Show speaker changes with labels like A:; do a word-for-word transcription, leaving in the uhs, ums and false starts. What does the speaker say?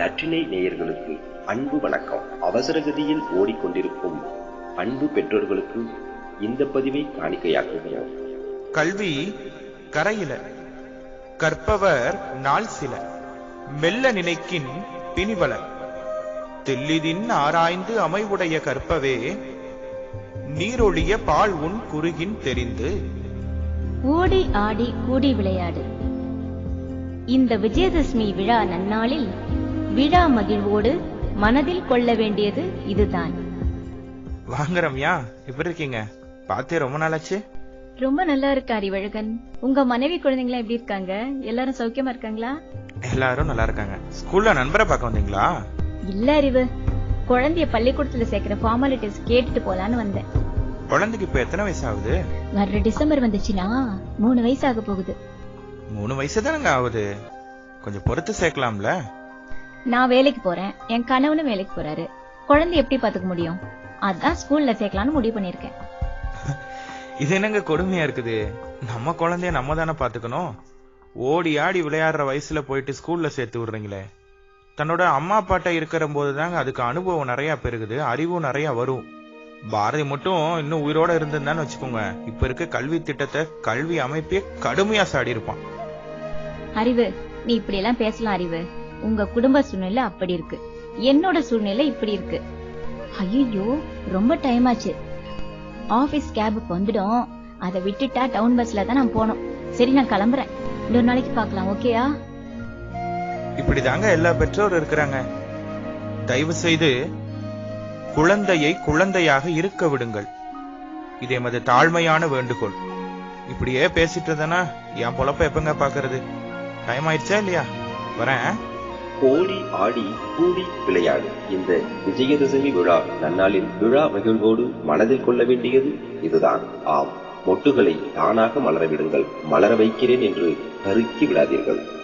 A: நற்றினை நேயர்களுக்கு அன்பு வணக்கம். அவசரகதியில் ஓடிக்கொண்டிருக்கும் அன்பு பெற்றோர்களுக்கு இந்த பதிவை காணிக்கையாக்குகிறோம்.
B: கல்வி கரையில கற்பவர் நாள் சில, மெல்ல நினைக்கின் பிணிவல, தெல்லிதின் ஆராய்ந்து அமைவுடைய கற்பவே, நீரொழிய பால் உன் குறுகின் தெரிந்து.
C: ஓடி ஆடி கூடி விளையாடு. இந்த விஜயதசமி விழா நன்னாளில் விழா மகிழ்வோடு மனதில் கொள்ள வேண்டியது இதுதான்.
B: வாங்க ரம்யா, எப்படி இருக்கீங்க? பார்த்தே ரொம்ப நாளாச்சு.
C: ரொம்ப நல்லா இருக்கு அறிவழகன். உங்க மனைவி குழந்தைங்களா எப்படி இருக்காங்க? எல்லாரும் சௌக்கியமா இருக்காங்களா?
B: எல்லாரும் நல்லா இருக்காங்க. ஸ்கூல்ல நண்பரை பார்க்க வந்தீங்களா?
C: இல்ல அறிவு, குழந்தைய பள்ளிக்கூடத்துல சேர்க்கிற ஃபார்மாலிட்டிஸ் கேட்டுட்டு போலான்னு வந்தேன்.
B: குழந்தைக்கு இப்ப எத்தனை வயசு ஆகுது?
C: வர்ற டிசம்பர் வந்துச்சுன்னா மூணு வயசு ஆக போகுது.
B: மூணு வயசு தானங்க ஆகுது, கொஞ்சம் பொறுத்து சேர்க்கலாம்ல.
C: நான் வேலைக்கு போறேன், என் கணவனும் வேலைக்கு போறாரு. குழந்தை எப்படி பாத்துக்க முடியும்? அதான் ஸ்கூல்ல சேர்க்கலாம்னு முடிவு பண்ணிருக்கேன்.
B: இது என்னங்க கொடுமையா இருக்குது? நம்ம குழந்தைய நம்ம தானே பாத்துக்கணும். ஓடி ஆடி விளையாடுற வயசுல போயிட்டு ஸ்கூல்ல சேர்த்து விடுறீங்களே. தன்னோட அம்மா அப்பாட்ட இருக்கிற போதுதாங்க அதுக்கு அனுபவம் நிறைய பெருகுது, அறிவும் நிறைய வரும். பாரதி மட்டும் இன்னும் உயிரோட இருந்திருந்தான்னு வச்சுக்கோங்க, இப்ப இருக்க கல்வி திட்டத்தை கல்வி அமைப்பே கடுமையா சாடி இருப்பான்.
C: அறிவு, நீ இப்படி எல்லாம் பேசலாம் அறிவு. உங்க குடும்ப சூழ்நிலை அப்படி இருக்கு, என்னோட சூழ்நிலை இப்படி இருக்கு. ஐயோ, ரொம்ப டைம் ஆச்சு. ஆபீஸ் கேபுக்கு வந்துடும், அதை விட்டுட்டா டவுன் பஸ்ல தான் நான் போனோம். சரி, நான் கிளம்புறேன். இன்னொரு நாளைக்கு பார்க்கலாம், ஓகேயா?
B: இப்படிதாங்க எல்லா பெற்றோரும் இருக்கிறாங்க. தயவு செய்து குழந்தையை குழந்தையாக இருக்க விடுங்கள். இதே மாதிரி தாழ்மையான வேண்டுகோள். இப்படியே பேசிட்டு இருந்தனா என் பொழப்ப எப்பங்க பாக்குறது? டைம் ஆயிடுச்சா இல்லையா? வரேன்.
A: ஓடி ஆடி கூடி விளையாடு. இந்த விஜயதசமி விழா நன்னாளில் விழா மகிழ்வோடு மனதில் கொள்ள வேண்டியது இதுதான். ஆம், மொட்டுகளை தானாக மலர விடுங்கள். மலர வைக்கிறேன் என்று கருக்கி விடாதீர்கள்.